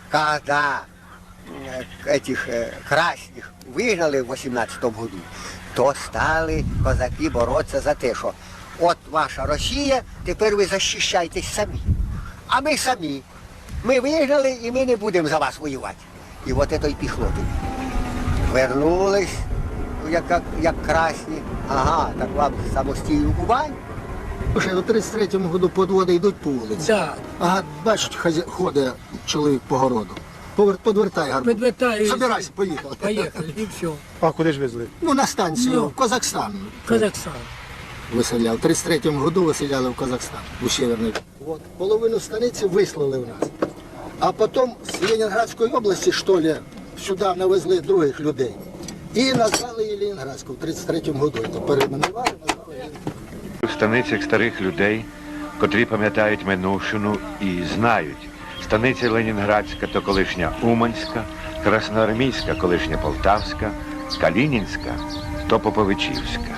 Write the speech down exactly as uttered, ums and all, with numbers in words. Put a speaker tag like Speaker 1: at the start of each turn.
Speaker 1: когда этих красных вигнали в восемнадцатому году, то стали козаки боротися за те, що от ваша Росія, тепер ви захищайтесь самі. А ми самі. Ми вигнали і ми не будемо за вас воювати. І от це й пішло тоді. Вернулись, як, як, як красні. Ага, так вам самостійну Кубань.
Speaker 2: Слушай, у тридцять третьому году подводи йдуть по вулиці.
Speaker 3: Да.
Speaker 2: Ага, бачить, хазя... ходить чоловік по городу. Повер... Подвертай гарбуз.
Speaker 3: Підвертаю.
Speaker 2: Собирайся, поїхали.
Speaker 3: Поїхали, і все.
Speaker 4: А куди ж везли?
Speaker 2: Ну, на станцію,
Speaker 3: Ну.
Speaker 2: в Казахстан.
Speaker 3: Казахстан.
Speaker 2: Виселяв. У тридцять третьому году виселяли в Казахстан, у Северний. От, половину станиці вислали в нас. А потім з Ленінградської області, що ли, сюди навезли других людей. І назвали її Ленінградською в тридцять третьому году. То перейменували, назвали її.
Speaker 5: В станицях старих людей, котрі пам'ятають минувшину і знають. Станиця Ленінградська то колишня Уманська, Красноармійська колишня Полтавська, Калінінська то Поповичівська.